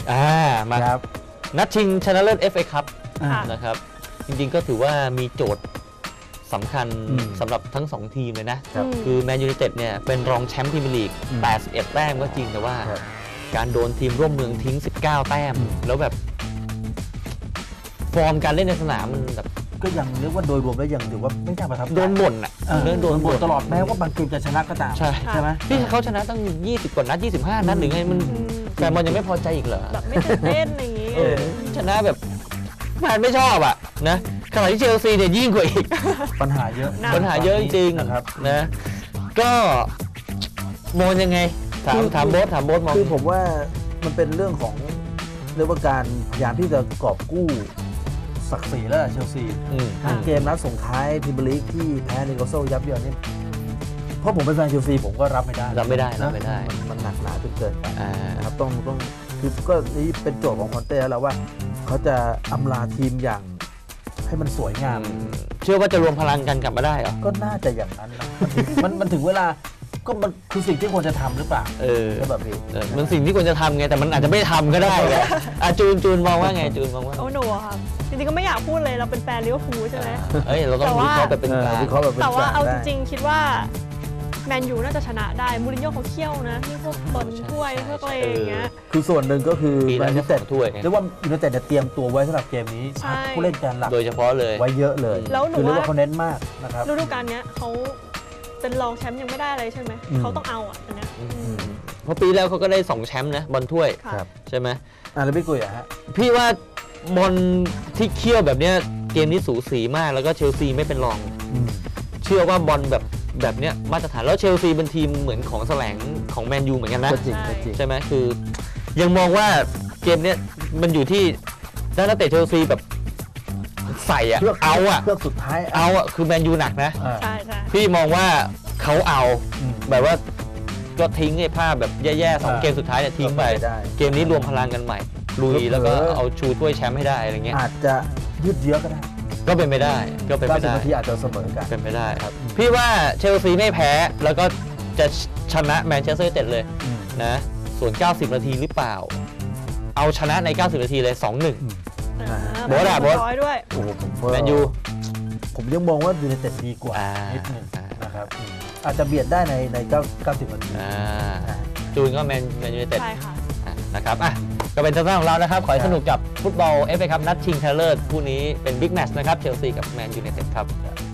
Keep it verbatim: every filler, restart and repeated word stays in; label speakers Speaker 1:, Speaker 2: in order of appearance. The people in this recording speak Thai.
Speaker 1: อ่ามาครับนัดชิงชนะเลิศ เอฟ เอ คัพนะครับจริงๆก็ถือว่ามีโจทย์สำคัญสำหรับทั้งสองทีมเลยนะคือแมนยูไนเต็ดเนี่ยเป็นรองแชมป์พรีเมียร์ลีกแปดสิบเอ็ดแต้มก็จริงแต่ว่าการโดนทีมร่วมเมืองทิ้งสิบเก้าแต้มแล้วแบบฟอร์มการเล่นในสนามมันแบบ
Speaker 2: ก็ยังเรียกว่าโดยรวมแล้วยังถือว่าไม่น่าประทับใจ
Speaker 1: โดนบ่นอ่ะ
Speaker 2: โดนบ่นตลอดแม้ว่าบางเกมจะชนะก็ตาม
Speaker 1: ใช่ไหมที่เขาชนะตั้งยี่สิบกว่านัดยี่สิบห้านัดหรือไงมันแฟนบอลยังไม่พอใจอีกเหรอ
Speaker 3: แบบไม่ตื่นเต้นอย่างนี้
Speaker 1: ชนะแบบแฟนไม่ชอบอ่ะนะขณะที่เชลซีเนี่ยยิ่งกว่าอีก
Speaker 2: ปัญหาเยอะ
Speaker 1: ปัญหาเยอะจริงๆนะครับนะก็มองยังไงถามถามโบ๊ทถามโบ๊ทมอง
Speaker 2: คือผมว่ามันเป็นเรื่องของเรียกว่าการพยายามที่จะกอบกู้ศักดิ์ศรีแล้วเชลซีเกมนัดส่งท้ายพรีเมียร์ลีกที่แพ้นิโคลโซยับเยินนี่เพราะผมเป็นแฟนเชลซีผมก็รับไม่ได้
Speaker 1: รับไม่ได้รับไม่ได้
Speaker 2: มันหนักหนาจนเกินไปนะครับต้องต้องคือก็นี่เป็นโจทย์ของคอนเต้แล้วว่าเขาจะอำลาทีมอย่างให้มันสวยงาม
Speaker 1: เชื่อว่าจะรวมพลังกันกลับมาได้เหรอ
Speaker 2: ก็น่าจะอย่างนั้นนะมันมันถึงเวลาก็มันคือสิ่งที่ควรจะทำหรือเปล่า
Speaker 1: เออ
Speaker 2: แบบนี้
Speaker 1: มันสิ่งที่ควรจะทำไงแต่มันอาจจะไม่ทำก็ได้เลยอ่ะจูนจูนมองว่าไงจูนมองว่า
Speaker 3: โอ้หนูครับจริงๆก็ไม่อยากพูดเลยเราเป็นแฟนลิเวอร์พูลใช่ไหม
Speaker 1: เอ้ยเราต้องวิเคราะห์แบบเป็นกลาง
Speaker 3: แต่ว่าเอาจริงๆคิดว่าแมนยูน่าจะชนะได้มูรินโญ่เขาเขี้ยวนะที่พวกบอลถ้วยพวกอะไรอย่างเงี้ย
Speaker 2: คือส่วนหนึ่งก็คือ
Speaker 1: แมนยูเต็ด
Speaker 2: ถ้วยเรียกว่ายูไนเต็ดเตรียมตัวไว้สำหรับเกมนี้ผู้เล่นการหลัก
Speaker 1: โดยเฉพาะเลย
Speaker 2: ไว้เยอะเลย
Speaker 3: แล้วหนู
Speaker 2: ว่าเขาเน้นมากนะครับ
Speaker 3: ฤดูกาลนี้เขาเป็นรองแชมป์ยังไม่ได้อะไรใช่ไหมเขาต้องเอาอ่ะอันนี้
Speaker 1: เพราะปีแล้วเขาก็ได้สองแชมป์นะบอลถ้วยใช่ไหม
Speaker 2: อ่ะแล้วพี่กุยอะฮะ
Speaker 1: พี่ว่าบอลที่เขี้ยวแบบเนี้ยเกมนี้สูสีมากแล้วก็เชลซีไม่เป็นรองเชื่อว่าบอลแบบแบบเนี้ยมาตรฐานแล้วเชลซีเป็นทีมเหมือนของแสลงของแมนยูเหมือนกันนะใช่ไหมคือยังมองว่าเกมเนี้ยมันอยู่ที่ด้านนักเตะเชลซีแบบใส่อะเอาอะ
Speaker 2: เพื่อสุดท้าย
Speaker 1: เอาอะคือแมนยูหนักนะ
Speaker 3: ใช่ใช่
Speaker 1: พี่มองว่าเขาเอาแบบว่าก็ทิ้งไอ้ภาพแบบแย่ๆสองเกมสุดท้ายเนี่ยทิ้งไปเกมนี้รวมพลังกันใหม่ลุยแล้วก็เอาชูถ้วยแชมป์ให้ได้อะไรเงี้ย
Speaker 2: อาจจะยืดเยื้อก็ได้
Speaker 1: ก็เป็นไปได้ก็เป็นไปได้
Speaker 2: ที่อาจจะเสมอกัน
Speaker 1: เป็นไปได้ครับพี่ว่าเชลซีไม่แพ้แล้วก็จะชนะแมนเชสเตอร์ยูไนเต็ดเลยนะส่วนเก้าสิบนาทีหรือเปล่าเอาชนะในเก้าสิบนาทีเลย สองหนึ่ง โบ๊ทอะโบ๊ท
Speaker 3: ด้วย
Speaker 2: โอ้ผม
Speaker 1: แมนยู
Speaker 2: ผมยังมองว่ายูไนเต็ดดีกว่านิดนึงนะครับอาจจะเบียดได้ในในเก้าสิบนาที
Speaker 1: จูนก็แมนแมนยูไนเต็ด
Speaker 3: ใช่ค่ะ
Speaker 1: นะครับอ่ะก็เป็นทัศนะของเรานะครับขอให้สนุกกับฟุตบอล เอฟ เอ คัพนัดชิงชนะเลิศคู่นี้เป็นบิ๊กแมตช์นะครับเชลซีกับแมนยูไนเต็ดครับ